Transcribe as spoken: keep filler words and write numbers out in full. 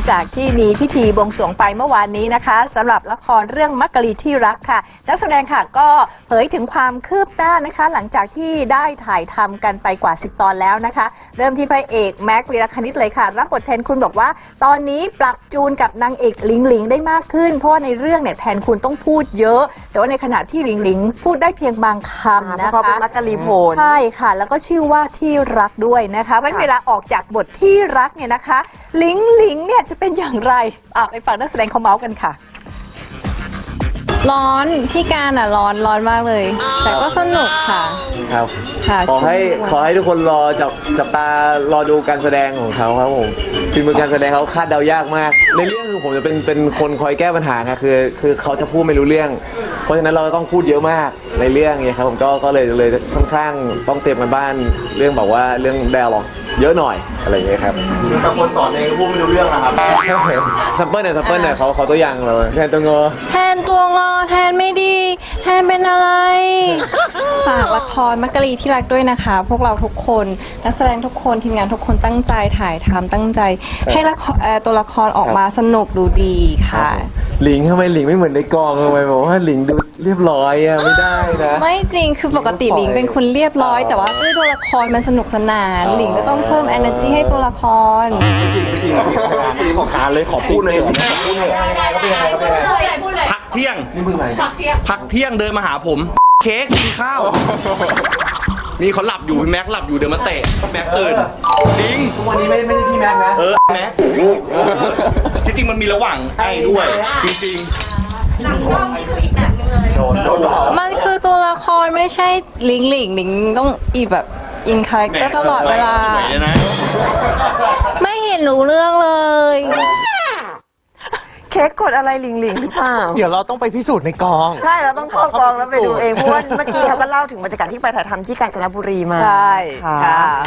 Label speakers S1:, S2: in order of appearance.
S1: จากที่มีพิธีบวงสรวงไปเมื่อวานนี้นะคะสำหรับละครเรื่องมักกะลีที่รักค่ะนักแสดงค่ะก็เผยถึงความคืบหน้านะคะหลังจากที่ได้ถ่ายทำกันไปกว่าสิบตอนแล้วนะคะเริ่มที่พระเอกแม็กวีรคณิตเลยค่ะรับบทแทนคุณบอกว่าตอนนี้ปรับจูนกับนางเอกหลิงหลิงได้มากขึ้นเพราะว่าในเรื่องเนี่ยแทนคุณต้องพูดเยอะแต่ว่าในขณะที่หลิงหลิงพูดได้เพียงบางคำนะคะ
S2: เขาเป็นมักกะลีโผล
S1: ใช่ค่ะแล้วก็ชื่อว่าที่รักด้วยนะคะเพราะเวลาออกจากบทที่รักเนี่ยนะคะหลิงหลิงเนี่ยจะเป็นอย่างไรอ่ะไปฟังนักแสดงเขาเมาส์กันค่ะ
S3: ร้อนที่การอ่ะร้อนร้อนมากเลย แต่ก็สนุกค่ะ
S4: ครับ
S3: ค่ะ
S4: ขอให้ขอให้ทุกคนรอจับจับตารอดูการแสดงของเขาครับผมฝีมือการแสดงเขาคาดเดายากมากในเรื่องคือผมจะเป็นเป็นคนคอยแก้ปัญหาไงคือคือเขาจะพูดไม่รู้เรื่องเพราะฉะนั้นเราต้องพูดเยอะมากในเรื่องนี้ครับผมก็ก็เลยเลยค่อนข้างต้องเตรียมกันบ้านเรื่องแบบว่าเรื่องไดอะล็อกเยอะหน่อยอะไรอย่างเงี้ยครับ
S5: แต่คนสอนเองก็พูดไม่รู้เรื่องนะครับ
S4: ซัมเปิลเนี่ยซัมเปิลเนี่ยเขาเขาตัวอย่างเราแทนตัวงอ
S3: แทนตัวงอแทนไม่ดีแทนเป็นอะไร ฝากละครมักกะลีที่รักด้วยนะคะ พวกเราทุกคนนักแสดงทุกคนทีมงานทุกคนตั้งใจถ่ายทำตั้งใจให้ละครตัวละครออกมาสนุกดูดีค่ะ
S4: หลิงทำไมหลิงไม่เหมือนในกองทำไมบอกว่าหลิงดูเรียบร้อยอะไม่ได้นะ
S3: ไม่จริงคือปกติหลิงเป็นคนเรียบร้อยแต่ว่าด้วยตัวละครมันสนุกสนานหลิงก็ต้องเพิ่ม energy ให้ตัวละคร
S5: จริงจริงจริงขอขานเลยขอพูดเลยขอพูดเลยพักเที่ยงนี่มึงไหนพักเที่ยงเดินมาหาผมเค้กกินข้าวนี่เขาหลับอยู่แม็กหลับอยู่เดินมาเตะแม็กตื่นจริง
S4: ทุกวันนี้ไม่ไม่ใช่พี่แม็กนะ
S5: เออแม็กจริงๆมันมีระหว่างไอ้ด้วยจริงๆหลังกล้องนี่คืออีกแบบนึงเลย
S3: มันคือตัวละครไม่ใช่หลิงหลิงหลิงต้องอีแบบอินคาแรคเตอร์ตลอดเวลาไม่เห็นรู้เรื่องเลย
S2: เค้กกดอะไรหลิงหลิงหรือเปล่า
S6: เดี๋ยวเราต้องไปพิสูจน์ในกอง
S2: ใช่เราต้องเข้ากองแล้วไปดูเองเพราะว่าเมื่อกี้เขาก็เล่าถึงบรรยากาศที่ไปถ่ายทำที่กาญจนบุรีมา
S1: ใช่ค่ะ